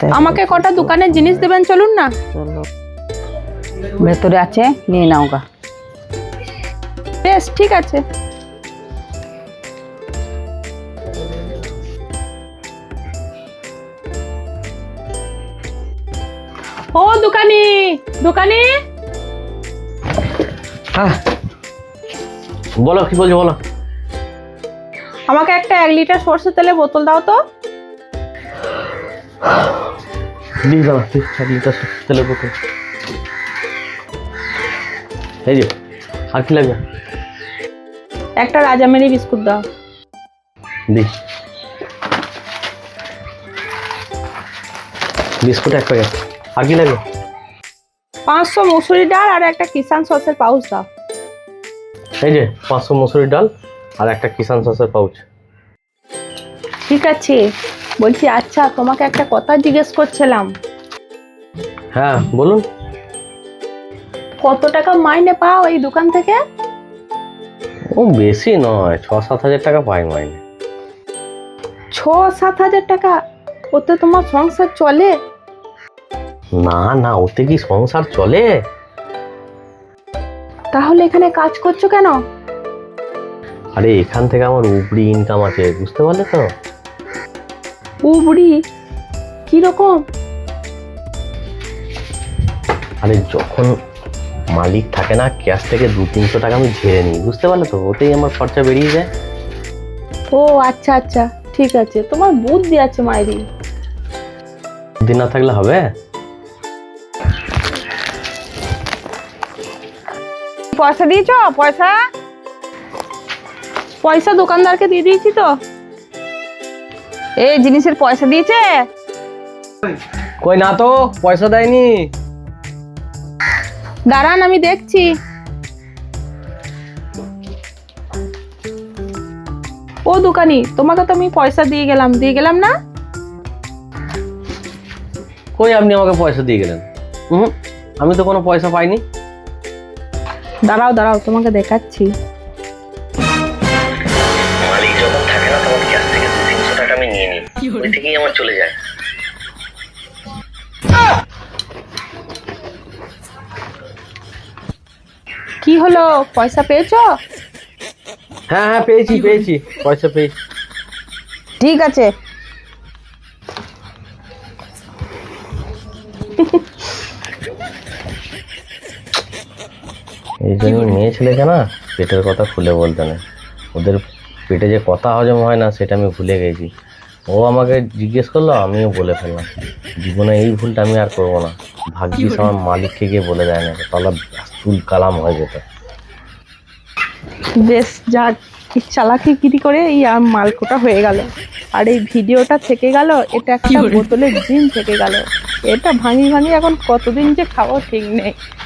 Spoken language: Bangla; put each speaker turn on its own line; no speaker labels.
আমাকে কটা দোকানের জিনিস দেবেন, চলুন না।
চলো, ভেতরে আছে, নিয়ে নাও গা।
বেশ ঠিক আছে। ও দোকানি, দোকানি,
হ্যাঁ বলো, কি বলছো বলো।
আমাকে একটা 1 লিটার সরষের তেলের বোতল দাও তো।
দিয়ে দাও 1 লিটার তেলের বোতল। এই যে, আর কি লাগবে?
একটা রাজামেরি বিস্কুট দাও।
দি বিস্কুট 1 প্যাকেট। আর কি লাগবে?
500 মসুরি ডাল আর একটা কিষান সসের পাউচ দাও।
এই যে 500 মসুরির ডাল আর একটা কিষান সসের পাউচ।
ঠিক আছে। বলছি, আচ্ছা তোমাকে একটা কথা জিজ্ঞেস করছিলাম।
হ্যাঁ বলুন।
কত টাকা মাইনে পাও এই দোকান থেকে?
ও বেশি নয়, 6-7 হাজার টাকা পাই মাইনে।
6-7 হাজার টাকা? ওতে তোমার সংসার চলে?
না না, ওতে কি সংসার চলে?
তাহলে এখানে কাজ করছো কেন?
আরে এখান থেকে আমার উপরি ইনকাম আছে, বুঝতে পারলে তো?
উবড়ি কিরকম?
আরে যখন মালিক থাকে না, ক্যাশ থেকে 200-300 টাকা আমি ঝেড়ে নিই, বুঝতে পারলে তো? ওতেই আমার খরচা বেরিয়ে যায়।
ও আচ্ছা আচ্ছা, ঠিক আছে। তোমার বুদ্ধি আছে মাইরি।
দিন না থাকলে হবে?
পয়সা দিয়েছো? পয়সা পয়সা দোকানদারকে দিয়ে দিয়েছি তো। এই জিনিসের পয়সা দিয়েছে?
কই না তো, পয়সা দেয়নি।
দাঁড়ান, আমি দেখছি। ও দোকানি, তোমাকে তো আমি পয়সা দিয়ে গেলাম না?
কই আপনি আমাকে পয়সা দিয়ে গেলেন? আমি তো কোনো পয়সা পাইনি।
দাঁড়াও দাঁড়াও, তোমাকে দেখাচ্ছি।
মালিক যখন থাকে না, তখন ক্যাশ থেকে 200-300 টাকা আমি নিয়ে নিই, ওই থেকেই আমার চলে যায়।
কি হলো, পয়সা পেয়েছো?
হ্যাঁ হ্যাঁ, পেয়েছি পেয়েছি, পয়সা পেয়েছি।
ঠিক আছে।
এই জন্য মেয়ে ছেলেকে না পেটের কথা খুলে বলতে নেই। ওদের পেটে যে কথা হজম হয় না, সেটা আমি ভুলে গেছি। ও আমাকে জিজ্ঞেস করলো, আমিও বলে ফেললাম। জীবনে এই ভুলটা আমি আর করবো না। ভাগ্যিস আমার মালিককে গিয়ে বলে দেয় না, তাহলে তুল কালাম হয়ে যেত।
বেশ, যাক, চালাকিগিরি করে এই মালকোটা হয়ে গেল। আর এই ভিডিওটা থেকে গেল, এটা একটা বোতলের জিন থেকে গেল। এটা ভাঙি ভাঙি এখন কতদিন যে খাবো ঠিক নেই।